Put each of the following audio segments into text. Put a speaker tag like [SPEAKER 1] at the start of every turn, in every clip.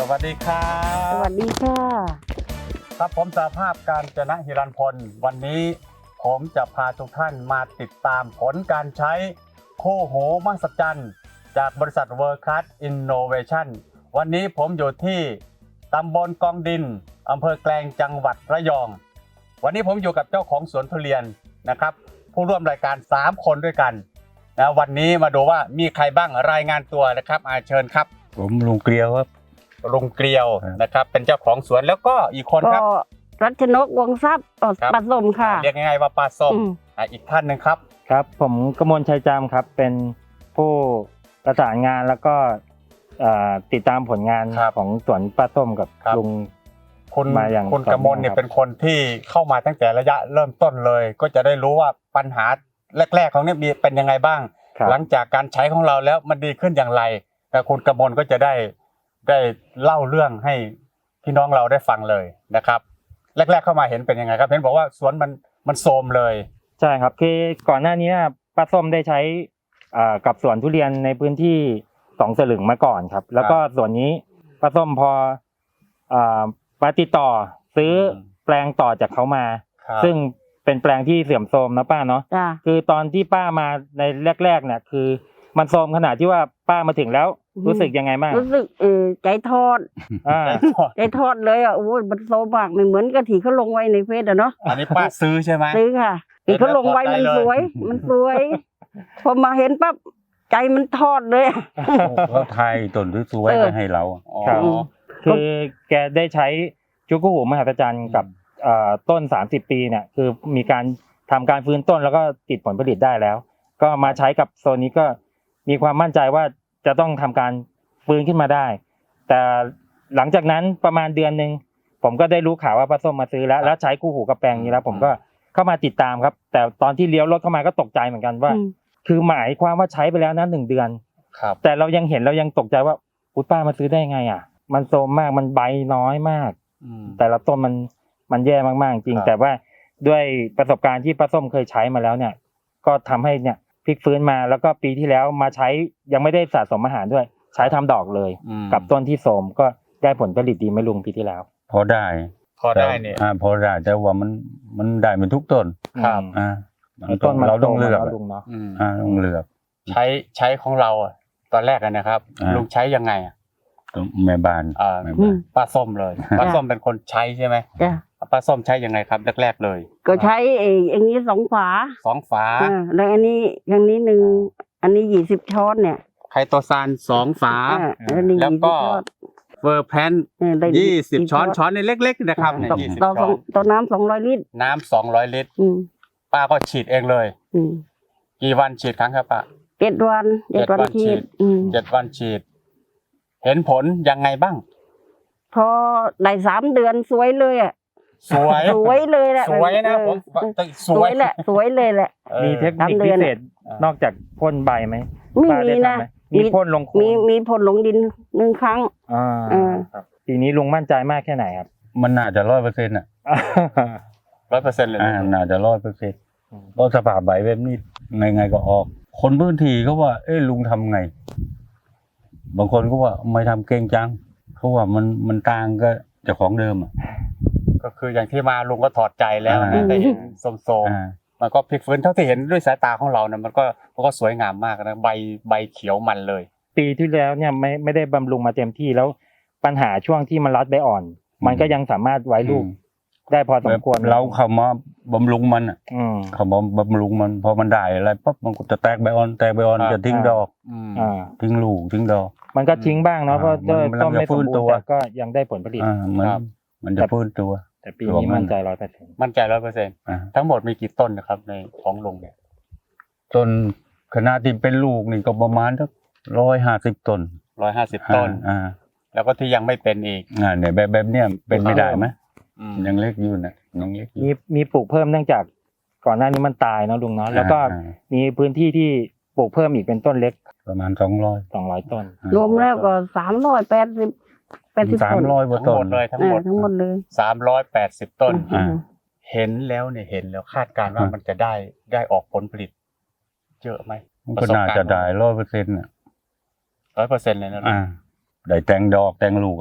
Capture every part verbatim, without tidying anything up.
[SPEAKER 1] วัสดีครับ
[SPEAKER 2] สวัสดีค่ะ
[SPEAKER 1] ครับผมสหภาพการจนะฮิรัญพลวันนี้ผมจะพาทุกท่านมาติดตามผลการใช้คู่หูมหัศจรรย์จากบริษัท World Class Innovation วันนี้ผมอยู่ที่ตำบลกองดินอำเภอแกลงจังหวัดระยองวันนี้ผมอยู่กับเจ้าของสวนทุเรียนนะครับผู้ร่วมรายการสามคนด้วยกันนะวันนี้มาดูว่ามีใครบ้างรายงานตัวนะครับอาเชิญครับ
[SPEAKER 3] ผมลุงเกลียวครับ
[SPEAKER 1] ลุงเกลียวนะครับเป็นเจ้าของสวนแล้วก็อีกคนครับ
[SPEAKER 2] ก็รัชนกวงทรัพย์ปฐมค่ะ
[SPEAKER 1] เรียกง่ายๆว่าปลาส้มอ่ะอีกท่านหนึ่งครับ
[SPEAKER 4] ครับผมกมลชัยจามครับเป็นผู้ประสานงานแล้วก็ติดตามผลงานของสวนปลาส้มกับลุง
[SPEAKER 1] คุณมาอย่างคุณกมลเนี่ยเป็นคนที่เข้ามาตั้งแต่ระยะเริ่มต้นเลยก็จะได้รู้ว่าปัญหาแรกๆของเนี่ยมีเป็นยังไงบ้างหลังจากการใช้ของเราแล้วมันดีขึ้นอย่างไรแต่คุณกมลก็จะได้ได้เล่าเรื่องให้พี่น้องเราได้ฟังเลยนะครับแรกๆเข้ามาเห็นเป็นยังไงครับเห็นบอกว่าสวนมันมันโทรมเลย
[SPEAKER 4] ใช่ครับคือก่อนหน้านี้ป้าส้มได้ใช้กับสวนทุเรียนในพื้นที่สองสลึงมาก่อนครับแล้วก็ส่วนนี้ป้าส้มพอป้าติดต่อซื้อแปลงต่อจากเขามาซึ่งเป็นแปลงที่เสื่อมโทรมนะป้าเนาะคือตอนที่ป้ามาในแรกๆเนี่ยคือมันโทรมขนาดที่ว่าป้ามาถึงแล้วรู้สึกยังไงบ้าง
[SPEAKER 2] รู้สึกเออใจทอดใจทอดเลยอ่ะโอ้ยมันโซมากไม่เหมือนกะทิเขาลงไว้ในเฟซอ่ะเนาะ
[SPEAKER 1] อันนี้ป้าซื้อใช่ไหม
[SPEAKER 2] ซื้อค่ะที่เขาลงไว้มันสวยมันสวยพอมาเห็นปั๊บใจมันทอดเลย
[SPEAKER 3] เขาไทยต้นสวยๆไปให้เรา
[SPEAKER 4] ครับคือแกได้ใช้จุกหูมหัศจรรย์กับต้นสามสิบปีเนี่ยคือมีการทำการฟื้นต้นแล้วก็ติดผลผลิตได้แล้วก็มาใช้กับโซนนี้ก็มีความมั่นใจว่าจะต้องทำการฟื้นขึ้นมาได้แต่หลังจากนั้นประมาณเดือนนึงผมก็ได้รู้ข่าวว่าป้าส้มมาซื้อแล้วแล้วใช้คู่หูกับแปลงนี้แล้วผมก็เข้ามาติดตามครับแต่ตอนที่เลี้ยวรถเข้ามาก็ตกใจเหมือนกันว่าคือหมายความว่าใช้ไปแล้วนะหนึ่งเดือนแต่เรายังเห็นเรายังตกใจว่าอุ๊ยป้ามาซื้อได้ไงอ่ะมันโทรมมากมันใบน้อยมากแต่ละต้นมันมันแย่มากๆจริงแต่ว่าด้วยประสบการณ์ที่ป้าส้มเคยใช้มาแล้วเนี่ยก็ทำให้เนี่ยพลิกฟื้นมาแล้วก็ปีที่แล้วมาใช้ยังไม่ได้สะสมอาหารด้วยใช้ทำดอกเลยกับต้นที่โทรมก็ได้ผลผลิตดีไม่ลุงปีที่แล้ว
[SPEAKER 3] พอได้
[SPEAKER 1] พอได้เนี่ย
[SPEAKER 3] อ่าพอได้แต่ว่ามันมันได้เป็นทุกต้น
[SPEAKER 1] ครับ
[SPEAKER 3] อ่า
[SPEAKER 4] ต้น
[SPEAKER 3] เราต้องเลือก
[SPEAKER 4] ลุงเนาะ
[SPEAKER 3] อ่าต้องเลือก
[SPEAKER 1] ใช้ใช้ของเราอ่ะตอนแรกกันนะครับลุงใช้ยังไงอ่ะ
[SPEAKER 3] แม่บ้าน
[SPEAKER 1] อ่าป้าส้มเลยป้าส้มเป็นคนใช้ใช่ไหมป้าส้มใช้ยังไงครับแรกๆเลย
[SPEAKER 2] ก็ใช้เองอย่างนี้สองฝา
[SPEAKER 1] สองฝา
[SPEAKER 2] แล้วอันนี้อย่างนี้หนึ่งอันนี้ยี่สิบช้อนเนี่ย
[SPEAKER 1] ไคโตซานสองฝาแล้วก็เวอร์แพนยี่สิบช้อนช้อนในเล็กๆนะครับเนี่ยยี่สิบช้อน
[SPEAKER 2] ต่อน้ำสองร้อยลิตร
[SPEAKER 1] น้ำสองร้อยลิตรป้าก็ฉีดเองเลยกี่วันฉีดครั้งครับป้า
[SPEAKER 2] เจ็ดวันเจ็ดวันฉีด
[SPEAKER 1] เจ็ดวันฉีดเห็นผลยังไงบ้าง
[SPEAKER 2] พอได้สามเดือนสวยเลยอ่ะ
[SPEAKER 1] สวย
[SPEAKER 2] สวยเลยแหละ
[SPEAKER 1] สวยนะผม
[SPEAKER 2] สวยแหละสวยเลยแหละ
[SPEAKER 4] มีเทคนิคพิเศษนอกจากพ่นใบไหม
[SPEAKER 2] ไม่มีนะ
[SPEAKER 4] มีพ่นลง
[SPEAKER 2] มีมีพ่นลงดินหนึ่งครั้ง
[SPEAKER 4] อ่าครับปีนี้ลุงมั่นใจมากแค่ไหนครับ
[SPEAKER 3] มันน่าจะร้อยเปอร์เซ็นต์อ่ะ
[SPEAKER 1] ร้อยเปอร์เซ็นต์เลย
[SPEAKER 3] อ่าน่าจะร้อยเปอร์เซ็นต์เพราะสภาพใบแบบนี้ไงไงก็ออกคนพื้นที่เขาว่าเอ้ลุงทำไงบางคนก็ว่าไม่ทำเก่งจังเขาว่ามันมันต่างก็จากของเดิมอ่ะ
[SPEAKER 1] ก็คืออย่างที่มาลุงก็ถอดใจแล้วนะได้เห็นโซมๆมันก็พลิกฟื้นเท่าที่เห็นด้วยสายตาของเรานะมันก็มันก็สวยงามมากนะใบใบเขียวมันเลย
[SPEAKER 4] ปีที่แล้วเนี่ยไม่ไม่ได้บำรุงมาเต็มที่แล้วปัญหาช่วงที่มันรัดใบอ่อนมันก็ยังสามารถไว้ลูกได้พอสมควร
[SPEAKER 3] เราเข้ามาบำรุงมันอ่ะเขามาบำรุงมันพอมันได้อะไรปั๊บมันก็จะแตกใบอ่อนแตกใบอ่อนจะทิ้งดอกทิ้งลูกทิ้งดอก
[SPEAKER 4] มันก็ทิ้งบ้างเนาะเพราะต้นไม่สมบูรณ์แต่ก็ยังได้ผลผลิต
[SPEAKER 3] มันจะฟื้นตัว
[SPEAKER 4] แต่ปีนี้มั่นใจร้อยเปอร์เซ็นต์
[SPEAKER 1] มั่นใจร้อยเปอร์เซ็นต์ทั้งหมดมีกี่ต้นนะครับในของลุงเนี่ย
[SPEAKER 3] ต้นขนาดที่เป็นลูกนี่ก็ประมาณสักร้อยห้าสิบต้น
[SPEAKER 1] ร้อยห้าสิบต้นอ่าแล้วก็ที่ยังไม่เป็นอีก
[SPEAKER 3] อ่าเนี่ยแบบแบบเนี้ยเป็นไม่ได้ไหมยังเล็กอยู่นะยังเล็ก
[SPEAKER 4] มีมีปลูกเพิ่มเนื่องจากก่อนหน้านี้มันตายเนาะลุงเนาะแล้วก็มีพื้นที่ที่ปลูกเพิ่มอีกเป็นต้นเล็ก
[SPEAKER 3] ประมาณสองร้อย
[SPEAKER 4] สองร้อยต้น
[SPEAKER 2] รวมแล้วก็สามร้อยแปดสิบเป็น
[SPEAKER 3] สามร้อยกว่าต้น
[SPEAKER 1] เลยทั้งหมด
[SPEAKER 2] ทั้งหมดเลย
[SPEAKER 1] สามร้อยแปดสิบต้นเห็นแล้วเนี่ยเห็นแล้วคาดการณ์ว่ามันจะได้ได้ออกผลผลิตเยอะไหม
[SPEAKER 3] ก็น่าจะได้ร้อยเปอร์เซ็นต์อ่ะ
[SPEAKER 1] ร้อยเปอร์เซ็นต์เลยนะ
[SPEAKER 3] อ่าได้แตงดอกแตงลูกอ่ะ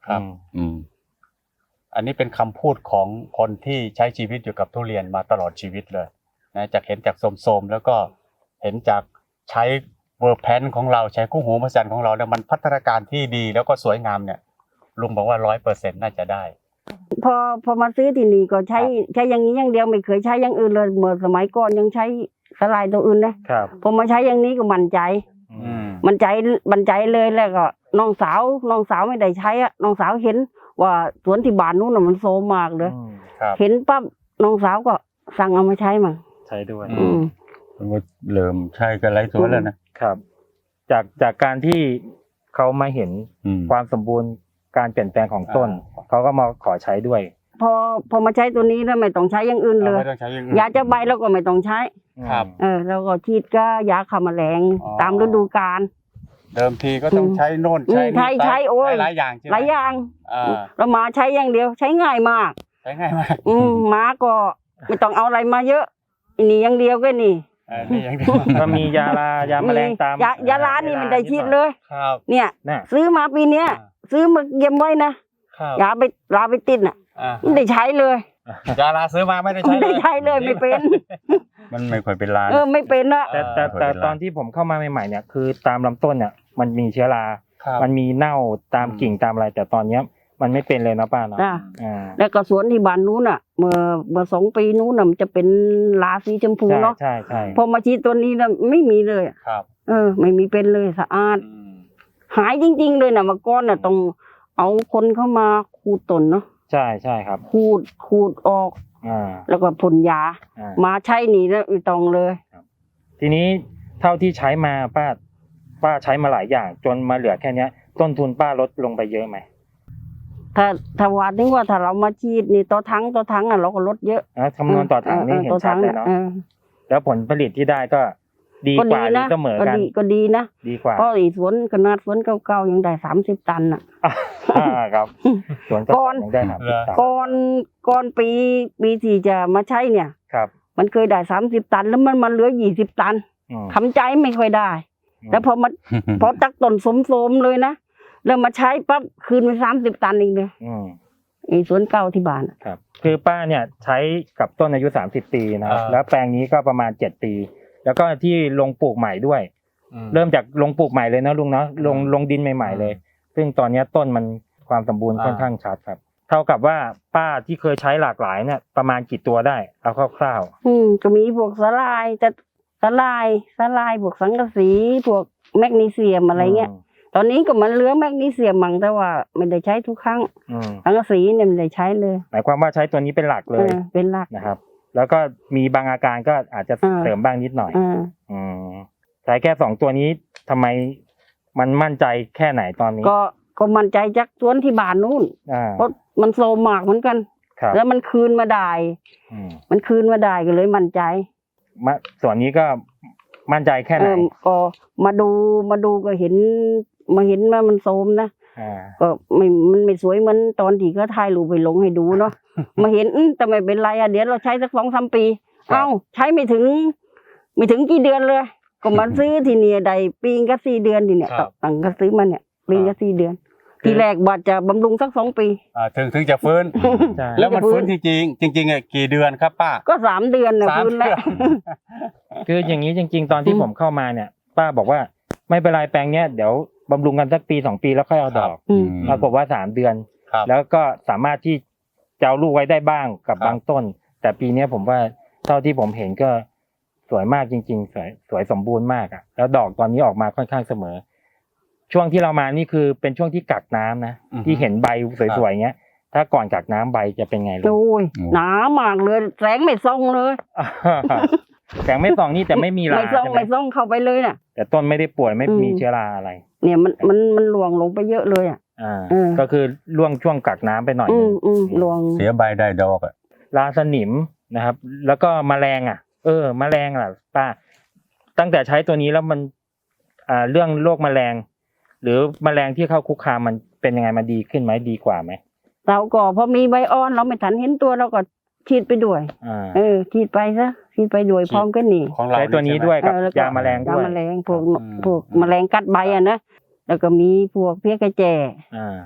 [SPEAKER 1] ครับ
[SPEAKER 3] อืม
[SPEAKER 1] อันนี้เป็นคำพูดของคนที่ใช้ชีวิตอยู่กับทุเรียนมาตลอดชีวิตเลยนะจากเห็นจากโสมๆแล้วก็เห็นจากใช้เวอร์แพนของเราใช้คู่หูมหัศจรรย์ของเราเนี่ยมันพัฒนาการที่ดีแล้วก็สวยงามเนี่ยลุงบอกว่าร้อยเปอร์เซ็นต์น่าจะได้
[SPEAKER 2] พอพอมาซื้อที่นี่ก็ใช้
[SPEAKER 1] ครับ
[SPEAKER 2] ใช้อย่างนี้อย่างเดียวไม่เคยใช้อย่างอื่นเลยเมื่อสมัยก่อนยังใช้สลายตัวอื่นนะครับ พอมาใช้อย่างนี้ก็มั่นใจ
[SPEAKER 1] อืม
[SPEAKER 2] มั่นใจมั่นใจเลยแล้วก็น้องสาวน้องสาวไม่ได้ใช้อะน้องสาวเห็นว่าสวนที่บ้านนู้นน่ะมันโซมมากเลย
[SPEAKER 4] อืม
[SPEAKER 1] ครับ
[SPEAKER 2] เห็นปั๊บน้องสาวก็สั่งเอามาใช้มั่ง
[SPEAKER 4] ใช้ด้วย
[SPEAKER 1] อื
[SPEAKER 2] อืม
[SPEAKER 3] มันก็เริ่มใช่กันไรสวนแล้วนะครับ
[SPEAKER 4] จากจากการที่เขามาเห็น
[SPEAKER 3] อืม
[SPEAKER 4] ความสมบูรณ์การเปลี่ยนแปลงของต้น
[SPEAKER 1] อ่า
[SPEAKER 4] เขาก็มาขอใช้ด้วย
[SPEAKER 2] พอพอมาใช้ตัวนี้แล้วไม่ต้องใช้อย่างอื่นเล
[SPEAKER 1] เรา
[SPEAKER 2] ย
[SPEAKER 1] ไม่ต้องใช้อย่างอื่น
[SPEAKER 2] ยาจะใบแล้วก็ไม่ต้องใช้
[SPEAKER 1] ครับ
[SPEAKER 2] เออแล้วก็ฉีดก็ยาฆ่าแมลง
[SPEAKER 1] อ๋อ
[SPEAKER 2] ตามฤดูกาล
[SPEAKER 1] เดิมทีก็ต้องใช้โน่น
[SPEAKER 2] อืม
[SPEAKER 1] ใช้
[SPEAKER 2] ใช้
[SPEAKER 1] นี่
[SPEAKER 2] ใช้โอ้ย
[SPEAKER 1] หลายอย่างใช่ไหม
[SPEAKER 2] หลายอย่าง
[SPEAKER 1] อ่า
[SPEAKER 2] เรามาใช้อย่างเดียวใช้ง่ายมาก
[SPEAKER 1] ใช้ง่ายมาก
[SPEAKER 2] อืมหมาก็ไม่ต้องเอาอะไรมาเยอะอันนี่อย่างเดียวก็นี่
[SPEAKER 1] เออนี่อย่างเดียว
[SPEAKER 4] ก็มียาลายาแมลงตาม
[SPEAKER 2] ยายาล้านนี่มันได้ฉีดเลย
[SPEAKER 1] ครับ
[SPEAKER 2] เนี่ย
[SPEAKER 4] น่ะ
[SPEAKER 2] ซื้อมาปีเนี้ย ซื้อมาเก็บไว้นะครับ ยาไปลาไปติดน่ะ
[SPEAKER 1] อ่า
[SPEAKER 2] ไม่ได้ใช้เลย
[SPEAKER 1] ยาลาซื้อมาไม่ได้ใช้
[SPEAKER 2] ไม่ได้ใช้เลยไม่เป็น
[SPEAKER 3] มันไม่ค่อยเป็นลาน
[SPEAKER 2] เออไม่เป็นนะ
[SPEAKER 4] แต่แต่แต่ตอนที่ผมเข้ามาใหม่ๆเนี่ยคือตามลำต้นเนี่ยมันมีเชื้อรา
[SPEAKER 1] ครับ
[SPEAKER 4] มันมีเน่าตาม
[SPEAKER 1] อืม
[SPEAKER 4] กิ่งตามอะไร แต่ตอนเนี้ยมันไม่เป็นเลยนะป้าเนาะ
[SPEAKER 2] จ้ะ
[SPEAKER 4] อ่า
[SPEAKER 2] แล้วก็สวนที่บ้านนู้นน่ะ เมื่อเมื่อสองปีนู้นน่ะมันจะเป็นลาสีชมพู
[SPEAKER 4] ใช่
[SPEAKER 2] เนาะ
[SPEAKER 4] ใช่ใช่
[SPEAKER 2] พอมาฉีดตัวนี้น่ะไม่มีเลยอะ
[SPEAKER 1] ครับ
[SPEAKER 2] เออ ไม่มีเป็นเลยสะอาด
[SPEAKER 1] อืม
[SPEAKER 2] หายจริง ๆ เลยน่ะเมื่อก่อนน่ะต้องเอาคนเข้ามาขูดต้นเนาะ
[SPEAKER 4] ใช่ใช่ครับ
[SPEAKER 2] ขูดขูดออก
[SPEAKER 4] อ่า
[SPEAKER 2] แล้วก็พ่นยา
[SPEAKER 4] อ่า
[SPEAKER 2] มาใช้นี่แล้วไม่ต้องเลย
[SPEAKER 4] ทีนี้เท่าที่ใช้มาป้าป้าใช้มาหลายอย่าง จนมาเหลือแค่เนี้ย ต้นทุนป้าลดลงไปเยอะไหม
[SPEAKER 2] ถ้าถ้าว่าถึงว่าถ้าเรามาฉีดนี่ต่อทั้งต่อทั้งอ่ะเราก็ลดเยอะ
[SPEAKER 4] อ่ะคำนวณต่อถังนี่เห็น
[SPEAKER 2] ต่อ
[SPEAKER 4] ชั
[SPEAKER 2] ถั
[SPEAKER 4] ด
[SPEAKER 2] ง
[SPEAKER 4] เลยเนาะ
[SPEAKER 2] ออ
[SPEAKER 4] แล้วผลผลิตที่ได้ก็ดี
[SPEAKER 2] ก็
[SPEAKER 4] ก
[SPEAKER 2] ดี
[SPEAKER 4] ว่าหรือ
[SPEAKER 2] นะ
[SPEAKER 4] เสมอ
[SPEAKER 2] ก็
[SPEAKER 4] กัน
[SPEAKER 2] ดีก็ดีนะ
[SPEAKER 4] ดีกว่า
[SPEAKER 2] เพราะอีสวนขนาดสวนเก่าๆยังได้สามสิบตันอ่ะ
[SPEAKER 4] อ่าครับสวน
[SPEAKER 2] ก่อน
[SPEAKER 4] ยังได้ครับ
[SPEAKER 2] ก่อนก่อนปีปีที่จะมาใช้เนี่ย
[SPEAKER 4] ครับ
[SPEAKER 2] มันเคยได้สามสิบตันแล้วมันมันเหลือยี่สิบตัน
[SPEAKER 4] อืม
[SPEAKER 2] ทำใจไม่ค่อยได้ แล้วพอมาพอตักต้นสมๆเลยนะแล้วมาใช้ปั๊บคืนไปสามสิบตันเองเลย
[SPEAKER 4] อืม
[SPEAKER 2] ไอ้สวนเก่าที่บ้านอะ
[SPEAKER 4] ครับ คือป้าเนี่ยใช้กับต้นอายุสามสิบปีนะครับ
[SPEAKER 1] อ่า
[SPEAKER 4] แล้วแปลงนี้ก็ประมาณเจ็ดปี แล้วก็ที่ลงปลูกใหม่ด้วย
[SPEAKER 1] อืม
[SPEAKER 4] เริ่มจากลงปลูกใหม่เลยนะลุงเนาะลงลงดินใหม่ๆเลย ซึ่งตอนเนี้ยต้นมันความสมบูรณ์
[SPEAKER 1] อ่า
[SPEAKER 4] ค่อนข้างชัดครับ เท่ากับว่าป้าที่เคยใช้หลากหลายเนี่ยประมาณกี่ตัวได้เอาคร่าว
[SPEAKER 2] อืมก็มีพวกสลายแต่สลายสลายพวกสังกะสีพวกแมกนีเซียม
[SPEAKER 4] ๆ
[SPEAKER 2] อะไรเงี้ย ตอนนี้ก็มันเหลือแมกนีเซียมมั่งแต่ว่าไม่ได้ใช้ทุกครั้ง
[SPEAKER 4] อืม
[SPEAKER 2] สังกะสีเนี่ยไม่ได้ใช้เลย
[SPEAKER 4] หมายความว่าใช้ตัวนี้เป็นหลักเล
[SPEAKER 2] เอย อเป็นหลัก
[SPEAKER 4] นะครับ แล้วก็มีบางอาการก็อาจจะ
[SPEAKER 2] อ่า
[SPEAKER 4] เสริมบ้างนิดหน่อย
[SPEAKER 2] อ่า
[SPEAKER 4] อืมใช้แค่สองตัวนี้ทำไมมันมั่นใจแค่ไหนตอนนี้
[SPEAKER 2] ก็ก็มั่นใจจากสวนที่บ้านนู่น
[SPEAKER 4] อ่า
[SPEAKER 2] เพราะมันโซมมากเหมือนกัน
[SPEAKER 4] ครับ
[SPEAKER 2] แล้วมันคืนมาได้
[SPEAKER 4] อืม
[SPEAKER 2] มันคืนมาได้ก็เลยมั่นใจ
[SPEAKER 4] มาส่วนนี้ก็มั่นใจแค่ไห
[SPEAKER 2] เอน อก็มาดูมาดูก็เห็นมาเห็นว่ามันโซมนะ
[SPEAKER 4] อ่า
[SPEAKER 2] ก็ไม่มันไม่สวยเหมือนตอนที่เขาถ่ายรูปไปลงให้ดูเนาะ มาเห็นอื้อแต่ไม่เป็นไรอ่ะเดี๋ยวเราใช้สักสองสามปี
[SPEAKER 4] ครับ
[SPEAKER 2] เอ้าใช้ไม่ถึง ไม่ถึงกี่เดือนเลย ก็มาซื้อทีเนี่ยได้ปีงก็สี่เดือนทีเนี่ย
[SPEAKER 1] ครับ
[SPEAKER 2] ตั้งก็ซื้อมาเนี่ยปีงก็สี่เดือน ทีแรกบาดจะบำรุงสักสองปี
[SPEAKER 1] อ่าถึงถึงจะฟื้น
[SPEAKER 4] ใช่
[SPEAKER 1] แล้วมันฟื้นจริงๆจริงๆอ่ะกี่เดือนครับป้า
[SPEAKER 2] ก็สามเดือนนะ
[SPEAKER 1] สาม
[SPEAKER 2] ฟื้น
[SPEAKER 1] เดื
[SPEAKER 2] แล้ว
[SPEAKER 1] อน
[SPEAKER 4] คืออย่างนี้จริง ๆ ตอนที่
[SPEAKER 2] อืม
[SPEAKER 4] ผมเข้ามาเนี่ย ป้าบอกว่าไม่เป็นไรแปลงเนี้ยเดี๋ยวบำรุงกันสักปีสองปีแล้วค่อยเอาดอก
[SPEAKER 2] อืม
[SPEAKER 4] ปรากฏว่าสามเดือน
[SPEAKER 1] ครับ
[SPEAKER 4] แล้วก็สามารถที่จะเอาลูกไว้ได้บ้างกับ
[SPEAKER 1] ครับ
[SPEAKER 4] บางต้น แต่ปีเนี้ยผมว่าเท่าที่ผมเห็นก็สวยมากจริง ๆ สวยสวยสมบูรณ์มากอ่ะ แล้วดอกตอนนี้ออกมาค่อนข้างเสมอ ช่วงที่เรามานี่คือเป็นช่วงที่กักน้ำนะ
[SPEAKER 1] อือฮึ
[SPEAKER 4] ที่เห็นใบสวยๆเงี้ย ถ้าก่อนกักน้ำใบจะเป็นไงลูก
[SPEAKER 2] โอ้ยหนามากเลยแสงไม่ส่องเลย
[SPEAKER 4] แสงไม่ส่องนี่แต่ไม่มีรา
[SPEAKER 2] ไม่ส่อง
[SPEAKER 4] ใช่ไหม
[SPEAKER 2] ไม่ส่องเข้าไปเลยน่ะ
[SPEAKER 4] แต่ต้นไม่ได้ป่วยไม่
[SPEAKER 2] อืม
[SPEAKER 4] มีเชื้อราอะไร
[SPEAKER 2] เนี่ยมันมันมันหลวงลงไปเยอะเลยอ่ะ
[SPEAKER 4] อ่า
[SPEAKER 2] เออ
[SPEAKER 4] ก็คือล่วงช่วงกักน้ำไปหน่อย
[SPEAKER 2] อื
[SPEAKER 4] นึ
[SPEAKER 2] ม
[SPEAKER 4] ง
[SPEAKER 2] อืมหลวง
[SPEAKER 3] เสียใบได้ดอกอ่ะ
[SPEAKER 4] ราสนิมนะครับ แล้วก็แมลงอ่ะ เออ แมลงอ่ะป้า ตั้งแต่ใช้ตัวนี้แล้วมัน อ่า เรื่องโรคแมลง หรือแมลงที่เข้าคุกคามมันเป็นยังไงมันดีขึ้นไหมดีกว่าไหม
[SPEAKER 2] เราก็พอมีใบอ่อนเราไม่ทันเห็นตัวเราก็ฉีดไปด้วย
[SPEAKER 4] อ่า
[SPEAKER 2] เออฉีดไปซะฉีดไปด้วยพร้อมกันนี่
[SPEAKER 1] ของเรา
[SPEAKER 4] ใช้ตัวนี้ด้วยกับ
[SPEAKER 2] เออแล้วก็
[SPEAKER 4] ยาแมลงด้วย
[SPEAKER 2] ยาแมลงพวก
[SPEAKER 1] อืม
[SPEAKER 2] พวกแมลงกัดใบอ่ะนะแล้วก็มีพวกเพี้ยกระแจ
[SPEAKER 4] อ่า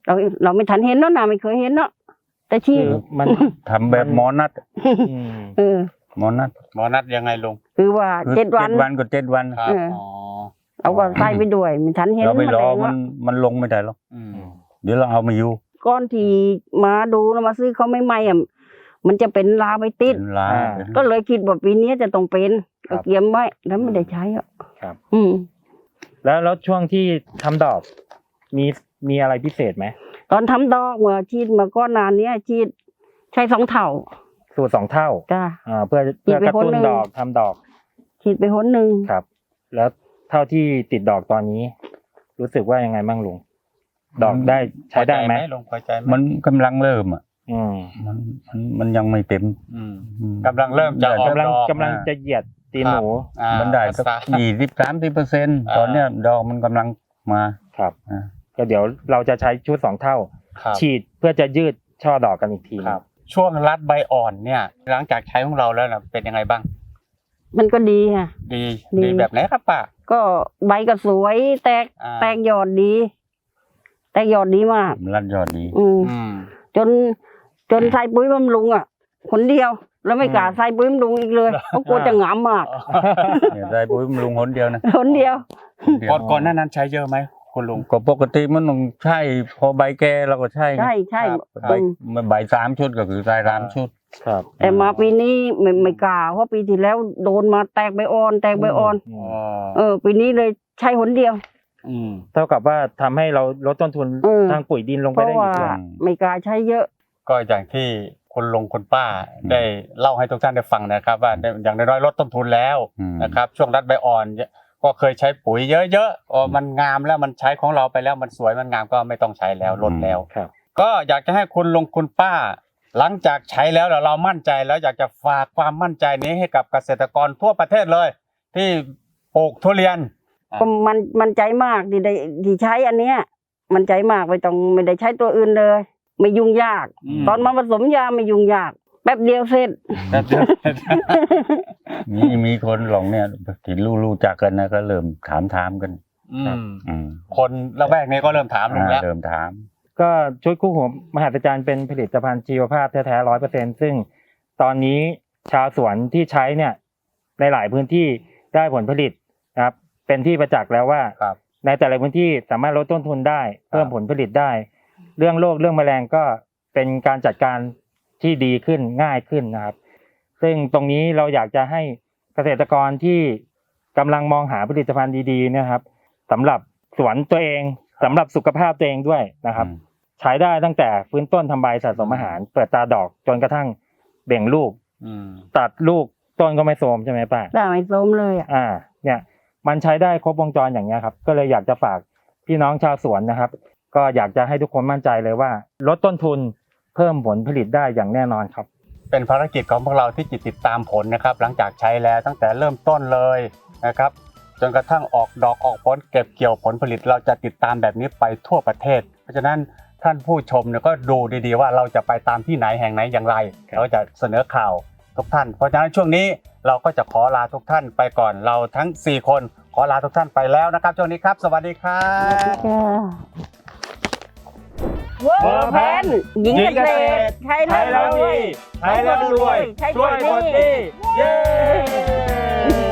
[SPEAKER 2] เราเราไม่ทันเห็นเนาะนะไม่เคยเห็นเนาะแต่ชี
[SPEAKER 4] คือมัน
[SPEAKER 3] ทำแบบหมอนัด
[SPEAKER 4] อืม
[SPEAKER 2] เออ
[SPEAKER 3] หมอนัด
[SPEAKER 1] หมอนัดยังไงลุง
[SPEAKER 2] คือว่า
[SPEAKER 3] คือ
[SPEAKER 2] เจ็ดวัน
[SPEAKER 3] วันก็เจ็ดวัน
[SPEAKER 1] ครับ
[SPEAKER 2] เอออ๋
[SPEAKER 1] อ๋อ
[SPEAKER 2] เราก็ใส่ไปด้วยไม่ทันเห็น
[SPEAKER 3] เราไปรอ
[SPEAKER 2] แมลง
[SPEAKER 3] มัน
[SPEAKER 2] ละ
[SPEAKER 3] มันลงไม่ได้หรอก
[SPEAKER 1] อืม
[SPEAKER 3] เดี๋ยวเราเอามาอยู่
[SPEAKER 2] ก้อนที่มาดูแล้วมาซื้อเขาไม่ไหมอ่ะมันจะเป็นลาไปติด
[SPEAKER 3] เป็นลา
[SPEAKER 4] อ่า
[SPEAKER 3] เป็น
[SPEAKER 2] ก็เลยคิดว่าปีนี้จะต้องเป็น
[SPEAKER 4] ครั
[SPEAKER 2] ก็
[SPEAKER 4] บ
[SPEAKER 2] เตรียมไว้แล้วไม่ได้ใช้อ่ะ
[SPEAKER 4] ครับ
[SPEAKER 2] อืม
[SPEAKER 4] แล้วแล้วช่วงที่ทำดอก มีมีอะไรพิเศษไหม
[SPEAKER 2] ตอนทำดอกเมื่อชีดมาก้อนนานเนี้ยชีดใช้สองเท่า
[SPEAKER 4] สูตรสองเท่า
[SPEAKER 2] จ้า
[SPEAKER 4] อ่าเพื่อเพื่อกระตุ้น
[SPEAKER 2] อีกไปคนหนึ่ง
[SPEAKER 4] ดอกทำดอก
[SPEAKER 2] ฉีดไปหนหนึ่ง
[SPEAKER 4] ครับ แล้วเท่าที่ติดดอกตอนนี้ รู้สึกว่ายังไงบ้างลุงดอกได้ใช้ได้ไหม
[SPEAKER 1] ลุงพอใจไหม
[SPEAKER 3] มันกำลังเริ่มอ่ะ
[SPEAKER 4] อืม
[SPEAKER 3] มันมันมันยังไม่เต็ม
[SPEAKER 1] อืม
[SPEAKER 3] อืม
[SPEAKER 1] กำลังเริ่มจะออก
[SPEAKER 4] กำลัง
[SPEAKER 1] ดอก
[SPEAKER 4] กำลังจะเหยียดตีนหนู
[SPEAKER 1] อ่า
[SPEAKER 3] มันได้สัก
[SPEAKER 1] ภาษา
[SPEAKER 3] ยี่สิบสามสิบเปอร์เซ็นต์
[SPEAKER 1] อ่า
[SPEAKER 3] ตอนเนี้ยดอกมันกำลังมา
[SPEAKER 4] ครับ
[SPEAKER 3] อ่า
[SPEAKER 4] ก็เดี๋ยวเราจะใช้ชุดสองเท่า
[SPEAKER 1] ครับ
[SPEAKER 4] ฉีดเพื่อจะยืดช่อดอกกันอีกที
[SPEAKER 1] ครับ ช่วงรัดใบอ่อนเนี่ย หลังจากใช้ของเราแล้วนะเป็นยังไงบ้าง
[SPEAKER 2] มันก็ดีค่ะ
[SPEAKER 1] ดี
[SPEAKER 2] ดี
[SPEAKER 1] ดีแบบไหนครับป้า
[SPEAKER 2] ก็ใบก็สวย แตก
[SPEAKER 1] อ่า
[SPEAKER 2] แตกยอดดี แตกยอดดีมาก
[SPEAKER 3] มันรัดยอดดี
[SPEAKER 2] อืม
[SPEAKER 1] อืม
[SPEAKER 2] จนจนใส่ปุ๋ยบำรุงอ่ะคนเดียว แล้วไม่กล้าใส่ปุ๋ยบำรุงอีกเลยเพราะกลัวจะหงามมาก
[SPEAKER 3] เนี่ยได้ปุ๋ยบำรุงหนเดียวนะ
[SPEAKER 2] คนเดียว
[SPEAKER 3] หนเดียว
[SPEAKER 1] ก่อนก่อนหน้านั้นใช้เยอะไหมคุณลุง
[SPEAKER 3] ก็ปกติมันต้องใช่พอใบแก่เราก็ใช่ไง
[SPEAKER 2] ใช่ใช่
[SPEAKER 1] ครับ
[SPEAKER 3] ใบ
[SPEAKER 2] อืม
[SPEAKER 3] ใบสามชุดก็คือใส่สามชุด
[SPEAKER 4] ครับ
[SPEAKER 2] แต่มาปีนี้ไม่ไม่กล้าเพราะปีที่แล้วโดนมาแตกใบอ่อน แตกใบอ่อน
[SPEAKER 4] อื
[SPEAKER 1] อ๋
[SPEAKER 4] ม
[SPEAKER 1] อ
[SPEAKER 2] เออ ปีนี้เลยใช้หนเดียว
[SPEAKER 1] อืม
[SPEAKER 4] เท่ากับว่าทำให้เราลดต้นทุน
[SPEAKER 2] เออ
[SPEAKER 4] ทางปุ๋ยดินลง
[SPEAKER 2] เพ
[SPEAKER 4] ไป
[SPEAKER 2] ราะ
[SPEAKER 4] ได้อี
[SPEAKER 2] ว่าก
[SPEAKER 4] ด้วย
[SPEAKER 2] ไม่กล้าใช้เยอะ
[SPEAKER 1] ก็อย่างที่คุณลุงคุณป้าได้เล่าให้ทุกท่านได้ฟังนะครับ ว่าได้อย่างน้อยๆลดต้นทุนแล้ว
[SPEAKER 3] อืม
[SPEAKER 1] นะครับ ช่วงรัดใบอ่อนก็เคยใช้ปุ๋ยเยอะๆอ๋อมันงามแล้วมันใช้ของเราไปแล้วมันสวยมันงามก็ไม่ต้องใช้แล้วลดแล้ว
[SPEAKER 4] ครับ
[SPEAKER 1] ก็อยากจะให้คุณลุงคุณป้า หลังจากใช้แล้วเราเรามั่นใจแล้วอยากจะฝากความมั่นใจนี้ให้กับเกษตรกรทั่วประเทศเลย ที่ปลูกทุเรียน
[SPEAKER 2] ก็มันมันใจมากที่ได้ที่ใช้อันเนี้ย มันใจมากไม่ต้องไม่ได้ใช้ตัวอื่นเลย ไม่ยุ่งยาก
[SPEAKER 1] อืม
[SPEAKER 2] ตอนมาผสมยาไม่ยุ่งยาก แป๊บเดียวเสร็จ
[SPEAKER 1] แป๊บเดียว
[SPEAKER 3] มีมีคนหลงเนี่ยที่รู้รู้จักกันนะก็เริ่มถามถามกัน
[SPEAKER 1] อืม
[SPEAKER 3] อืม
[SPEAKER 1] คนละแวกนี้ก็เริ่มถามลุงแล้ว
[SPEAKER 3] อ่าเริ่มถาม
[SPEAKER 4] ก็ชุดคู่หูมหัศจรรย์เป็นผลิตภัณฑ์ชีวภาพแท้ๆร้อยเปอร์เซ็นซึ่งตอนนี้ชาวสวนที่ใช้เนี่ยในหลายพื้นที่ได้ผลผลิตนะครับ เป็นที่ประจักษ์แล้วว่า
[SPEAKER 1] ครับ
[SPEAKER 4] ในแต่ละพื้นที่สามารถลดต้นทุนได้เพิ่มผลผลิตได้ เรื่องโรคเรื่องแมลงก็เป็นการจัดการที่ดีขึ้นง่ายขึ้นนะครับ ซึ่งตรงนี้เราอยากจะให้เกษตรกรที่กำลังมองหาผลิตภัณฑ์ดีๆนะครับสำหรับสวนตัวเองสำหรับสุขภาพตัวเองด้วยนะครับ
[SPEAKER 3] อืม
[SPEAKER 4] ใช้ได้ตั้งแต่ฟื้นต้นทำใบสะสมอาหาร เปิดตาดอกจนกระทั่งเบ่งลูก
[SPEAKER 1] อืม
[SPEAKER 4] ตัดลูกต้นก็ไม่โทรมใช่ไหมป้า
[SPEAKER 2] ได้ไม่ส้มเลยอ่ะ
[SPEAKER 4] อ่า เนี่ยมันใช้ได้ครบวงจรอย่างเงี้ยครับ ก็เลยอยากจะฝากพี่น้องชาวสวนนะครับ ก็อยากจะให้ทุกคนมั่นใจเลยว่าลดต้นทุนเพิ่มผลผลิตได้อย่างแน่นอนครับ
[SPEAKER 1] เป็นภารกิจของพวกเราที่จิตติดตามผลนะครับ หลังจากใช้แล้วตั้งแต่เริ่มต้นเลยนะครับ จนกระทั่งออกดอกออกผลเก็บเกี่ยวผลผลิตเราจะติดตามแบบนี้ไปทั่วประเทศ เพราะฉะนั้นท่านผู้ชมเนี่ยก็ดูดีๆว่าเราจะไปตามที่ไหนแห่งไหนอย่างไร
[SPEAKER 4] ครับ
[SPEAKER 1] เราจะเสนอข่าวทุกท่าน เพราะฉะนั้นช่วงนี้เราก็จะขอลาทุกท่านไปก่อนเราทั้งสี่คนขอลาทุกท่านไปแล้วนะครับช่วงนี้ครับ สวัสดีครับ
[SPEAKER 2] เวอร์แพนหญิงเกษตรใช้แล้วรวย
[SPEAKER 4] ใช้แล้วรวย
[SPEAKER 2] ใช้แล้วรวย
[SPEAKER 4] เย้